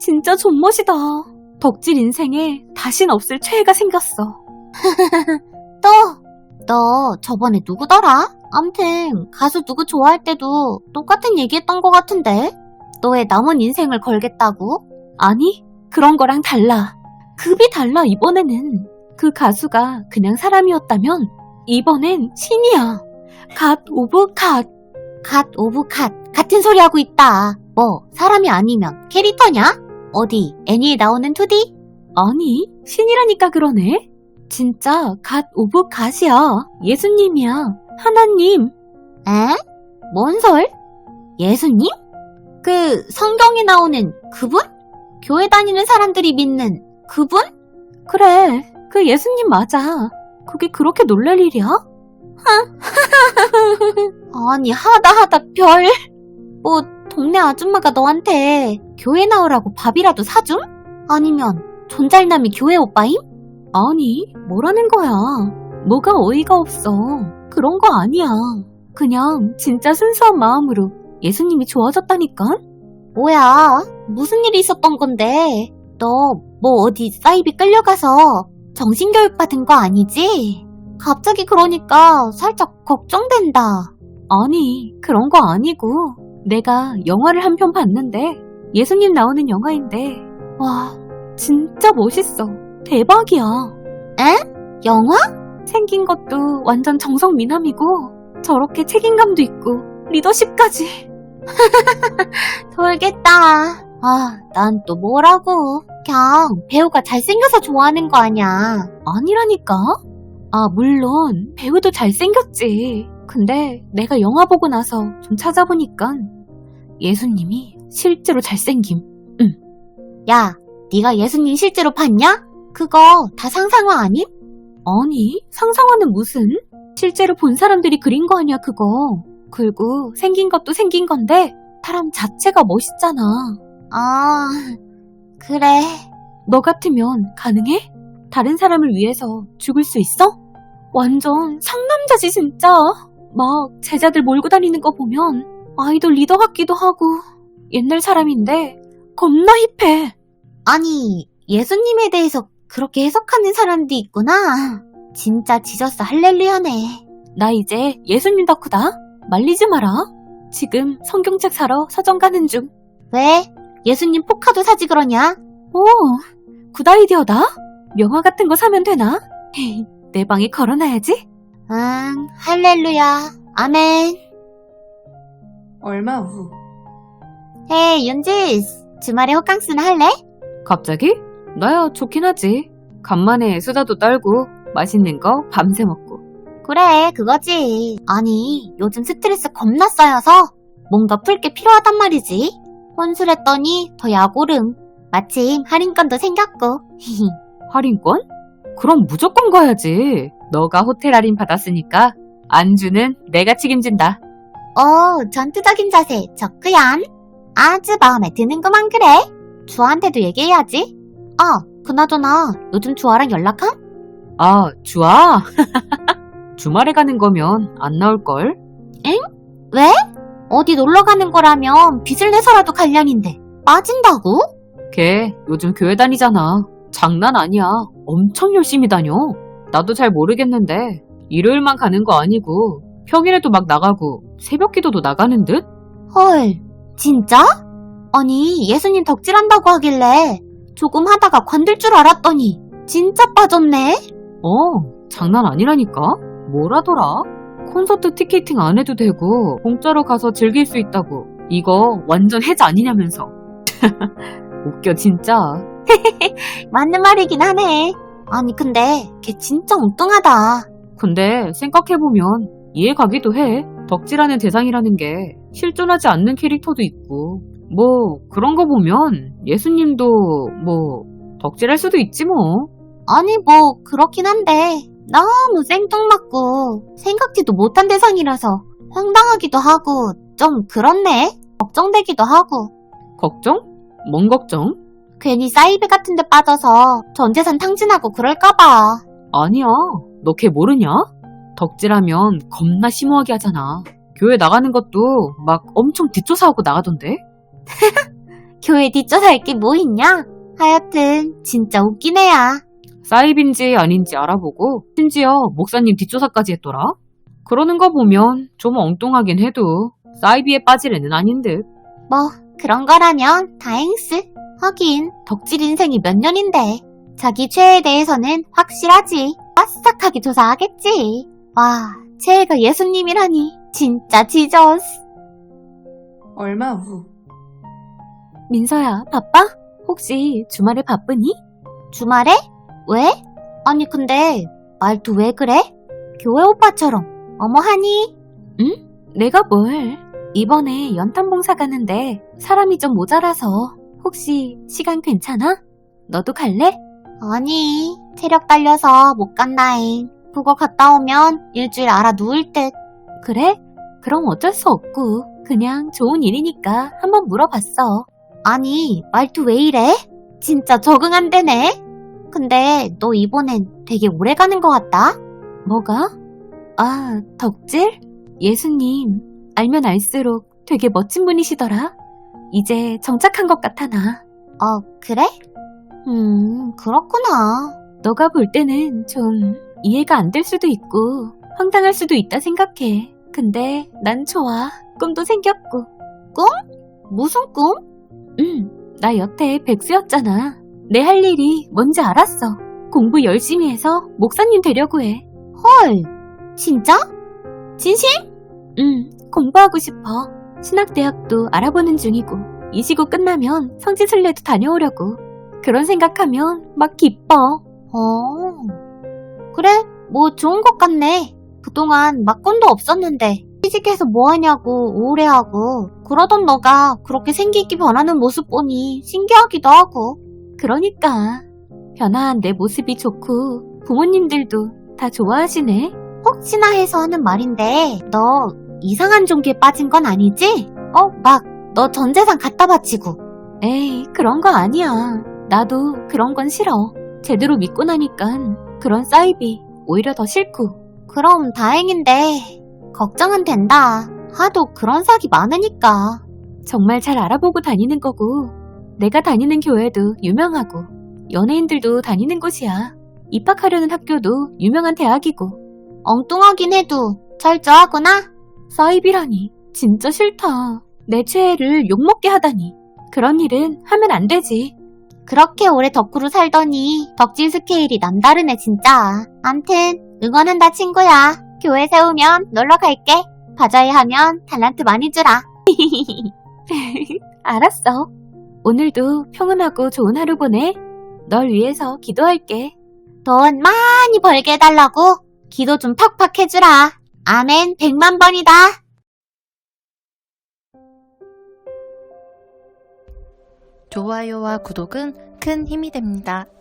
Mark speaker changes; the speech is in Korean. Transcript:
Speaker 1: 진짜 존멋이다. 덕질 인생에 다신 없을 최애가 생겼어.
Speaker 2: 너 저번에 누구더라? 암튼 가수 누구 좋아할 때도 똑같은 얘기했던 것 같은데? 너의 남은 인생을 걸겠다고?
Speaker 1: 아니, 그런 거랑 달라. 급이 달라, 이번에는. 그 가수가 그냥 사람이었다면 이번엔 신이야. 갓 오브 갓.
Speaker 2: 갓 오브 갓. 같은 소리 하고 있다. 뭐 사람이 아니면 캐릭터냐? 어디 애니에 나오는 2D?
Speaker 1: 아니, 신이라니까 그러네. 진짜 갓 오브 갓이야. 예수님이야. 하나님.
Speaker 2: 에? 뭔 설? 예수님? 그 성경에 나오는 그분? 교회 다니는 사람들이 믿는 그분?
Speaker 1: 그래, 그 예수님 맞아. 그게 그렇게 놀랄 일이야?
Speaker 2: 아니 하다 별. 뭐 동네 아줌마가 너한테 교회 나오라고 밥이라도 사줌? 아니면 존잘남이 교회 오빠임?
Speaker 1: 아니, 뭐라는 거야. 뭐가 어이가 없어. 그런 거 아니야. 그냥 진짜 순수한 마음으로 예수님이 좋아졌다니까?
Speaker 2: 뭐야? 무슨 일이 있었던 건데? 너 뭐 어디 사이비 끌려가서 정신교육 받은 거 아니지? 갑자기 그러니까 살짝 걱정된다.
Speaker 1: 아니, 그런 거 아니고 내가 영화를 한 편 봤는데 예수님 나오는 영화인데 와, 진짜 멋있어. 대박이야.
Speaker 2: 에? 영화?
Speaker 1: 생긴 것도 완전 정석 미남이고 저렇게 책임감도 있고 리더십까지.
Speaker 2: 돌겠다. 아, 난 또 뭐라고. 그냥 배우가 잘생겨서 좋아하는 거 아냐.
Speaker 1: 아니라니까? 아, 물론 배우도 잘생겼지. 근데 내가 영화 보고 나서 좀 찾아보니까 예수님이 실제로 잘생김.
Speaker 2: 야, 네가 예수님 실제로 봤냐? 그거 다 상상화 아님?
Speaker 1: 아니, 상상화는 무슨? 실제로 본 사람들이 그린 거 아니야, 그거. 그리고 생긴 것도 생긴 건데 사람 자체가 멋있잖아.
Speaker 2: 아, 그래.
Speaker 1: 너 같으면 가능해? 다른 사람을 위해서 죽을 수 있어? 완전 상남자지 진짜. 막 제자들 몰고 다니는 거 보면 아이돌 리더 같기도 하고 옛날 사람인데 겁나 힙해.
Speaker 2: 아니, 예수님에 대해서 그렇게 해석하는 사람도 있구나. 진짜 지저스 할렐루야네.
Speaker 1: 나 이제 예수님 덕후다. 말리지 마라. 지금 성경책 사러 서점 가는 중.
Speaker 2: 왜? 예수님 포카도 사지 그러냐?
Speaker 1: 오, 굿 아이디어다. 명화 같은 거 사면 되나? 내 방에 걸어놔야지.
Speaker 2: 응, 할렐루야. 아멘.
Speaker 3: 얼마 후.
Speaker 2: 헤이, 윤지스. 주말에 호캉스나 할래?
Speaker 1: 갑자기? 나야 좋긴 하지. 간만에 수다도 떨고 맛있는 거 밤새 먹고.
Speaker 2: 그래, 그거지. 아니, 요즘 스트레스 겁나 쌓여서 뭔가 풀 게 필요하단 말이지. 혼술했더니 더 약오름. 마침 할인권도 생겼고.
Speaker 1: 할인권? 그럼 무조건 가야지. 너가 호텔 할인 받았으니까 안주는 내가 책임진다.
Speaker 2: 전투적인 자세 좋구얀. 아주 마음에 드는구만 그래. 주아한테도 얘기해야지. 그나저나 요즘 주아랑 연락함?
Speaker 1: 아, 주아? 주말에 가는 거면 안 나올걸?
Speaker 2: 왜? 어디 놀러 가는 거라면 빚을 내서라도 관련인데 빠진다고?
Speaker 1: 걔 요즘 교회 다니잖아. 장난 아니야. 엄청 열심히 다녀. 나도 잘 모르겠는데 일요일만 가는 거 아니고 평일에도 막 나가고 새벽 기도도 나가는 듯?
Speaker 2: 헐, 진짜? 아니, 예수님 덕질한다고 하길래 조금 하다가 관둘 줄 알았더니 진짜 빠졌네?
Speaker 1: 장난 아니라니까? 뭐라더라? 콘서트 티켓팅 안 해도 되고 공짜로 가서 즐길 수 있다고. 이거 완전 해자 아니냐면서. 웃겨 진짜.
Speaker 2: 맞는 말이긴 하네. 아니 근데 걔 진짜 엉뚱하다.
Speaker 1: 근데 생각해보면 이해 가기도 해. 덕질하는 대상이라는 게 실존하지 않는 캐릭터도 있고 뭐 그런 거 보면 예수님도 뭐 덕질할 수도 있지 뭐.
Speaker 2: 아니 뭐 그렇긴 한데 너무 생뚱맞고 생각지도 못한 대상이라서 황당하기도 하고 좀 그렇네. 걱정되기도 하고.
Speaker 1: 걱정? 뭔 걱정?
Speaker 2: 괜히 사이비 같은 데 빠져서 전재산 탕진하고 그럴까봐.
Speaker 1: 아니야. 너 걔 모르냐? 덕질하면 겁나 심오하게 하잖아. 교회 나가는 것도 막 엄청 뒷조사하고 나가던데?
Speaker 2: 교회 뒷조사할 게 뭐 있냐? 하여튼 진짜 웃긴 애야.
Speaker 1: 사입인지 아닌지 알아보고 심지어 목사님 뒷조사까지 했더라. 그러는 거 보면 좀 엉뚱하긴 해도 사이비에 빠질 애는 아닌 듯.
Speaker 2: 뭐 그런 거라면 다행스. 하긴 덕질 인생이 몇 년인데 자기 최애에 대해서는 확실하지. 빠싹하게 조사하겠지. 와, 최애가 예수님이라니 진짜 지저스.
Speaker 3: 얼마 후.
Speaker 1: 민서야, 바빠? 혹시 주말에 바쁘니?
Speaker 2: 주말에? 왜? 아니 근데 말도 왜 그래? 교회 오빠처럼. 어머 하니?
Speaker 1: 응? 내가 뭘? 이번에 연탄 봉사 가는데 사람이 좀 모자라서 혹시 시간 괜찮아? 너도 갈래?
Speaker 2: 아니 체력 딸려서 못 간다잉. 그거 갔다 오면 일주일 알아 누울 듯.
Speaker 1: 그래? 그럼 어쩔 수 없고 그냥 좋은 일이니까 한번 물어봤어.
Speaker 2: 아니 말투 왜 이래? 진짜 적응 안 되네. 근데 너 이번엔 되게 오래 가는 것 같다.
Speaker 1: 뭐가? 아, 덕질? 예수님, 알면 알수록 되게 멋진 분이시더라. 이제 정착한 것 같아, 나.
Speaker 2: 그래? 그렇구나.
Speaker 1: 너가 볼 때는 좀 이해가 안 될 수도 있고 황당할 수도 있다 생각해. 근데 난 좋아. 꿈도 생겼고.
Speaker 2: 무슨 꿈?
Speaker 1: 나 여태 백수였잖아. 내 할 일이 뭔지 알았어. 공부 열심히 해서 목사님 되려고 해.
Speaker 2: 헐, 진짜? 진심?
Speaker 1: 공부하고 싶어. 신학대학도 알아보는 중이고 이 시고 끝나면 성지순례도 다녀오려고. 그런 생각하면 막 기뻐.
Speaker 2: 그래, 뭐 좋은 것 같네. 그동안 막건도 없었는데 취직해서 뭐하냐고 우울해하고 그러던 너가 그렇게 생기 있게 변하는 모습 보니 신기하기도 하고.
Speaker 1: 그러니까 변화한 내 모습이 좋고 부모님들도 다 좋아하시네.
Speaker 2: 혹시나 해서 하는 말인데 너 이상한 종교에 빠진 건 아니지? 막 너 전 재산 갖다 바치고.
Speaker 1: 에이, 그런 거 아니야. 나도 그런 건 싫어. 제대로 믿고 나니깐 그런 사이비 오히려 더 싫고.
Speaker 2: 그럼 다행인데 걱정은 된다. 하도 그런 사기 많으니까.
Speaker 1: 정말 잘 알아보고 다니는 거고 내가 다니는 교회도 유명하고 연예인들도 다니는 곳이야. 입학하려는 학교도 유명한 대학이고.
Speaker 2: 엉뚱하긴 해도 철저하구나.
Speaker 1: 사이비라니 진짜 싫다. 내 최애를 욕먹게 하다니. 그런 일은 하면 안 되지.
Speaker 2: 그렇게 오래 덕후로 살더니 덕질 스케일이 남다르네 진짜. 암튼 응원한다 친구야. 교회 세우면 놀러 갈게. 바자회 하면 달란트 많이 주라.
Speaker 1: 알았어. 오늘도 평온하고 좋은 하루 보내. 널 위해서 기도할게.
Speaker 2: 돈 많이 벌게 해달라고 기도 좀 팍팍 해주라. 아멘 100만 번이다.
Speaker 3: 좋아요와 구독은 큰 힘이 됩니다.